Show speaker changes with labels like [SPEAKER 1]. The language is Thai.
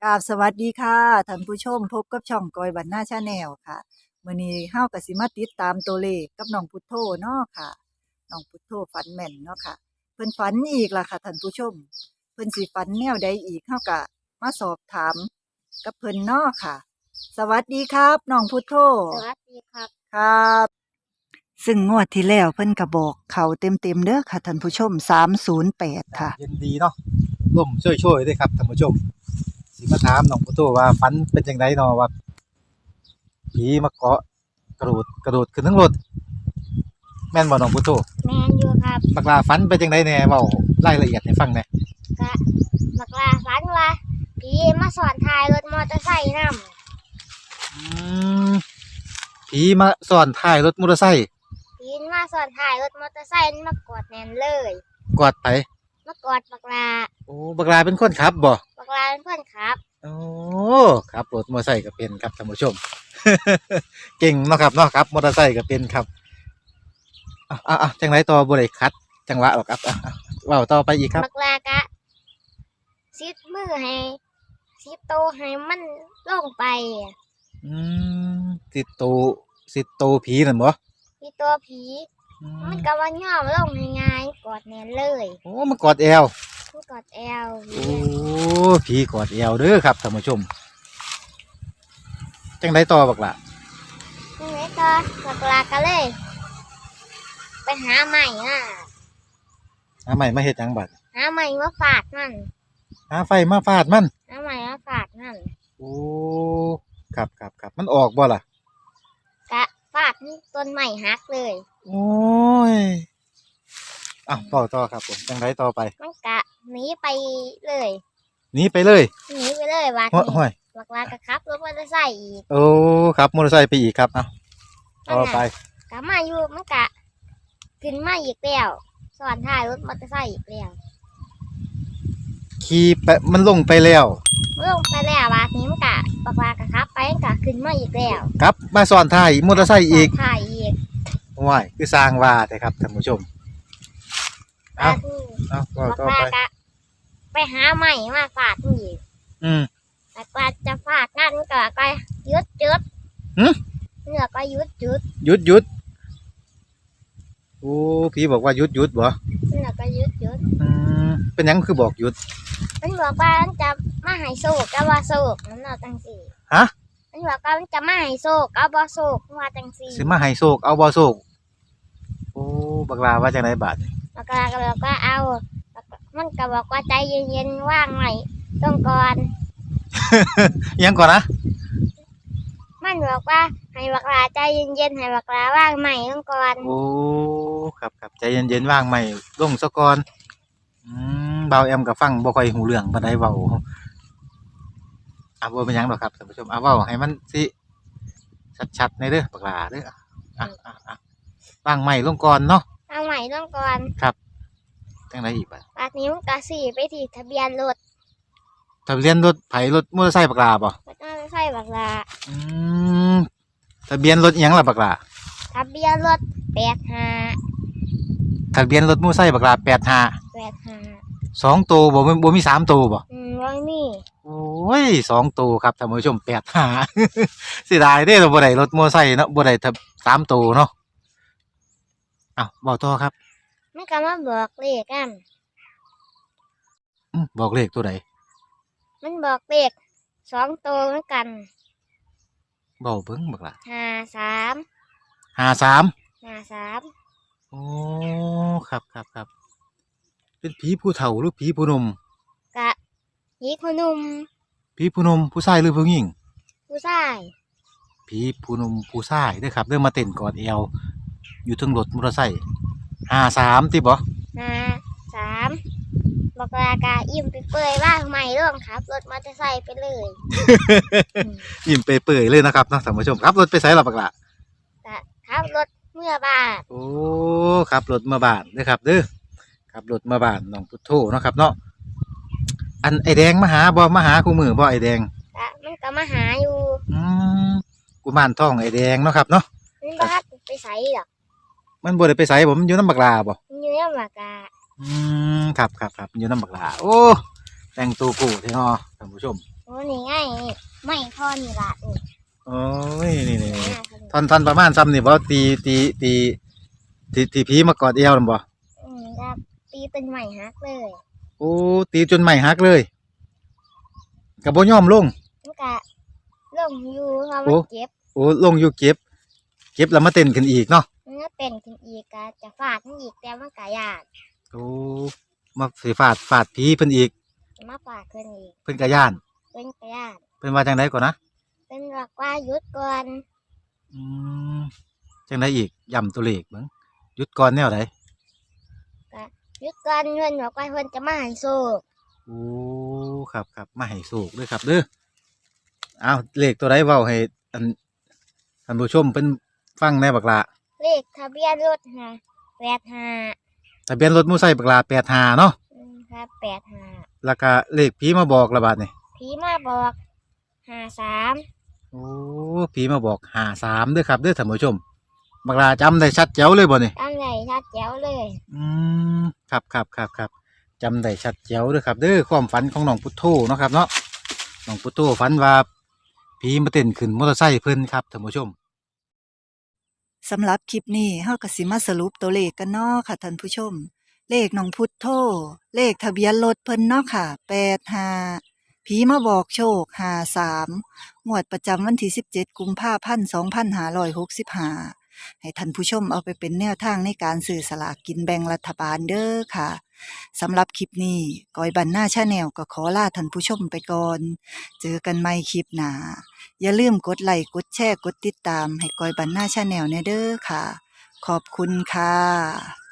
[SPEAKER 1] กราบสวัสดีค่ะท่านผู้ชมพบกับช่องกอยบันหน้าชาแนลค่ะมื้อนี้เฮาก็สิมาติดตามตัวเลขกับน้องพุทโธเนาะค่ะน้องพุทโธฝันแม่นเนาะค่ะเพิ่นฝันอีกล่ะค่ะท่านผู้ชมเพิ่นสิฝันแนวใดอีกเฮาก็มาสอบถามกับเพิ่นเนาะค่ะ สวัสดีครับน้องพุทโธ
[SPEAKER 2] สวัสดีครับ
[SPEAKER 1] ครับซึ่งงวดที่แล้วเพิ่นก็บอกเขาเต็มๆเด้อค่ะท่านผู้ชม308ค่ะ
[SPEAKER 3] เย็นดีเนาะร่มช่วยๆด้วยครับท่านผู้ชมสิมาถามน้องพุทโธว่าฝันเป็นจังไดเนาะว่าผีมาเกาะกระโดดขึ้นทั้งรถแม่นบ่น้องพุทโธ
[SPEAKER 2] แมนอยู่ครับ
[SPEAKER 3] บักลาฝันเป็นจังไดแหน่เว้ารายละเอียดให้ฟังแหน่
[SPEAKER 2] กะบักลาฝันว่าผีมาสอนทายรถมอเตอร์ไซค์น
[SPEAKER 3] อืมผีมาซ้อนท้ายรถมอเตอร์ไซค์
[SPEAKER 2] ผีมาสอนทายรถมอเตอร์ไซค์มากอดแน่นเลย
[SPEAKER 3] กอดไป
[SPEAKER 2] มากอดบักลา
[SPEAKER 3] โอ้บักลาเป็นคนขับบ่
[SPEAKER 2] บักลาเป็นเพื่อนครับ
[SPEAKER 3] โอ้ครับรถมอเตอร์ไซค์ก็เป็นครับท่านผู้ชม เก่งเนาะครับเนาะครับมอเตอร์ไซค์ก็เป็นครับจังไรต่อบ่ได้คัดจังหวะหรอกครับเว้าต่อไปอีกครับ
[SPEAKER 2] บักลากะซิดมือให้ซิดโตให้มันลงไป
[SPEAKER 3] อืมสิโตผีนั่นบ่
[SPEAKER 2] ที่ตัวผีมันก็ว่าย่อมลงง่ายๆกอดแน่นเลย
[SPEAKER 3] โอ้มันกอดแอว
[SPEAKER 2] มันกอดแอว
[SPEAKER 3] โอ้ผีกอดแอวเด้อครับท่านผู้ชมจังไรต่อบักล่ะ
[SPEAKER 2] นี่ไงก็บักลาก็เลยไปหาใหม่
[SPEAKER 3] ใหม่มาเฮ็ดหยังบัด
[SPEAKER 2] หาใหม่มาฝาดมัน
[SPEAKER 3] หาไฟมาฟาดมัน
[SPEAKER 2] หาใหม่มาฝาดมัน
[SPEAKER 3] โอ้ครับมันออกบ่ล่ะ
[SPEAKER 2] กะฟาดต้นใหม่หักเลย
[SPEAKER 3] โอ้ยต่อครับผมจังไรต่อไป
[SPEAKER 2] มันกะหนีไปเลย
[SPEAKER 3] หนีไปเลย
[SPEAKER 2] วัดนี้บักลากะครับรถมอเตอร์ไซค์อีก
[SPEAKER 3] โอ้ครับมอเตอร์ไซค์ไปอีกครับต่อไป
[SPEAKER 2] กะมาอยู่มันกะขึ้นมาอีกแล้วสอนท้ายรถมอเตอร์ไซค์อีกแล้ว
[SPEAKER 3] ขี่ไปมันลงไปแล้ว
[SPEAKER 2] วัดนี้มันกะบักลากะครับไปกะขึ้นมาอีกแล้ว
[SPEAKER 3] ครับมาซ้อนท้ายมอเตอร์ไซค์อีก
[SPEAKER 2] ว้
[SPEAKER 3] ายคือสร้างว่าแต่ครับท่านผู้ชม
[SPEAKER 2] เอา
[SPEAKER 3] ว่าต่อไป
[SPEAKER 2] ไปหาใหม่มาฝาดอีกแต่กว่าจะฝาดนั่นก็ยุดเนื้อก็
[SPEAKER 3] ยุดโอ้พี่บอกว่าหยุดบ่
[SPEAKER 2] เนื้อก็ยุด
[SPEAKER 3] เป็นยังคือบอกหยุด
[SPEAKER 2] มันบอกว่ามันจะมาให้โศกก็ว่าโศกนั่นเอาจังสี่
[SPEAKER 3] ฮะ
[SPEAKER 2] มันบอกว่ามันจะมาให้โศกเอาบ่โศกว่าจังสี่
[SPEAKER 3] สิมาให้โศกเอาบ่โศกโอ้บักลาว่าจังไดบาด
[SPEAKER 2] บักลาก็บอกว่าเอามันก็บอกว่าใจเย็นๆว่างใหม่ต้องก่อน
[SPEAKER 3] ยังก่อนนะ
[SPEAKER 2] มันบอกว่าให้บักลาใจเย็นๆให้บักลาว่างใหม่ต้องก่อน
[SPEAKER 3] โอ้ครับใจเย็นๆว่างใหม่ลงซะก่อนเบาแอมกับฟังบ่ค่อยหูเรื่องปานใดเว้าบ่เป็นหยังดอกครับท่านผู้ชมเว้าให้มันสิชัดๆในเด้อบักลาเด้อว่างใหม่ลงก่อนเนาะ
[SPEAKER 2] ว่างใหม่ต้องก่อน
[SPEAKER 3] ครับจังไดอีก
[SPEAKER 2] บัดนี้มันก็สิไปที่ทะเบียนรถ
[SPEAKER 3] ไผมอเตอร์ไซค์บักลาบ่
[SPEAKER 2] มอเตอร์ไซค์บักลา
[SPEAKER 3] ทะเบียนรถอิหยังล่ะบักลา
[SPEAKER 2] ทะเบียนรถ
[SPEAKER 3] ทะเบียนรถมอเตอร์ไซค์บักลา85 2ตัวบ่มี3ตัวบ่
[SPEAKER 2] บ่มี
[SPEAKER 3] โอ้ย2ตัวครับท่านผู้ชม85เสียดายเด้อบ่ได้รถมอเตอร์ไซค์เนาะบ่ได้3ตัวเนาะเว้าต่อครับ
[SPEAKER 2] มันก็มาบอกเลขกัน
[SPEAKER 3] บอกเลขตัวใด
[SPEAKER 2] มันบอกเลข2ตัวเหมือนกัน
[SPEAKER 3] เว้าเบิ่งบักล่ะ53โอ้ครับเป็นผีผู้เฒ่าหรือผีผู้หนุ่ม
[SPEAKER 2] กะผีผู้หนุ่ม
[SPEAKER 3] ผู้ชายหรือผู้หญิง
[SPEAKER 2] ผู้ชาย
[SPEAKER 3] ผีผู้หนุ่มผู้ชายเด้อครับเริ่มมาเต้นกอดเอวอยู่ถึงรถมอเตอร์ไซค์53ติบ่
[SPEAKER 2] 53บักลากะอิ่มไปเปื่อยว่างใหม่ร่วงครับรถมอเตอร์ไซค์ไปเลย
[SPEAKER 3] อิ่มไปเปื่อยเลยนะครับท่านผู้ชมครับรถไปไสล่ะบักล่ะ
[SPEAKER 2] ครับรถเมื่อบ้าน
[SPEAKER 3] โอ้ครับรถเมื่อบ้านเด้อครับเด้อครับรถเมื่อบ้านน้องพุทโธเนาะครับเนาะอันไอแดงมาหาคู่มือบ่ไอแดง
[SPEAKER 2] มันก็มาหาอยู่
[SPEAKER 3] กุมารทองไอแดงเนาะครับเนาะ
[SPEAKER 2] มันบ่ไปไสหรอก
[SPEAKER 3] มันบ่ได้ไปไสบ่มันอยู่นำบักลาบ่
[SPEAKER 2] อยู่นำบักลา
[SPEAKER 3] ครับอยู่นำบักลาโอ้แต่งตัวกูแท้เนาะท่านผู้ชม
[SPEAKER 2] โอ้นี่ไงไม่พอนี่ละนี่
[SPEAKER 3] โอ้ยนี่นี่
[SPEAKER 2] หน้าเขา
[SPEAKER 3] ท่อนประมาณซ้ำนี่บ่ตีผีมากอดเอวนั่นบ่
[SPEAKER 2] ครับตีเป็นใหม่ฮักเลย
[SPEAKER 3] โอ้ตีจนใหม่หักเลยก็บ่ยอมลง
[SPEAKER 2] มันกะลงอยู่เพราะ
[SPEAKER 3] โอ้
[SPEAKER 2] มันเจ็บ
[SPEAKER 3] โอ้ลงอยู่เก็บแล้วมาเต้นขึ้นอีกเนาะ
[SPEAKER 2] มันก็เป็นขึ้นอีกกะจะฟาดมันอีกแต่มันกะยาก
[SPEAKER 3] โอ้มาสิฟาดผีเพิ่นอีก
[SPEAKER 2] มาฟาดเพิ่นอีก
[SPEAKER 3] เพิ่นก็ย่าน
[SPEAKER 2] เพิ่นกะยาก
[SPEAKER 3] เพิ่นว่าจังไดก่อนนะ
[SPEAKER 2] เพิ่นบอกว่าหยุดก่อน
[SPEAKER 3] อืมจังไดอีกย้ำตัวเลขเบิ่งหยุดก่อนแนวใด
[SPEAKER 2] หยุดก่อนเพิ่นบอกว่าเพิ่นจะมาให้โชค
[SPEAKER 3] โอ้ครับมาให้โชคเด้อครับเด้อเอาเลขตัวใดเว้าให้อันท่านผู้ชมเพิ่นฟังแหน่บักละ
[SPEAKER 2] เลขทะเบียนรถค่ะ85
[SPEAKER 3] ทะเบียนรถมอไซค์บักละ85เนาะ
[SPEAKER 2] ครับ85
[SPEAKER 3] แล้วก็เลขผีมาบอกละบาดนี่
[SPEAKER 2] ผีมาบอก53
[SPEAKER 3] โอ้ผีมาบอก53เด้อครับเด้อท่านผู้ชมบักละจำได้ชัดแจ๋วเลยบ่นี่
[SPEAKER 2] ตั้งใหญ่ชัดแจ๋วเลย
[SPEAKER 3] อืมครับจำได้ชัดเจ๋วเด้อครับเด้อความฝันของน้องพุทโธเนาะครับเนาะน้องพุทโธฝันว่าผีมาเต้นขึ้นมอเตอร์ไซค์เพิ่นครับท่านผู้ชม
[SPEAKER 1] สำหรับคลิปนี้เฮาก็สิมาสรุปตัวเลขกันเนาะค่ะท่านผู้ชม เลขน้องพุทโธเลขทะเบียนรถเพิ่นเนาะค่ะ85ผีมาบอกโชค53งวดประจำวันที่17กุมภาพันธ์2565ให้ท่านผู้ชมเอาไปเป็นแนวทางในการซื้อสลากกินแบ่งรัฐบาลเด้อค่ะสำหรับคลิปนี้ก้อยบันหน้าชาแนลก็ขอลาท่านผู้ชมไปก่อน เจอกันใหม่คลิปหน้า อย่าลืมกดไลค์กดแชร์กดติดตามให้ก้อยบันหน้าชาแนลแน่เด้อค่ะ ขอบคุณค่ะ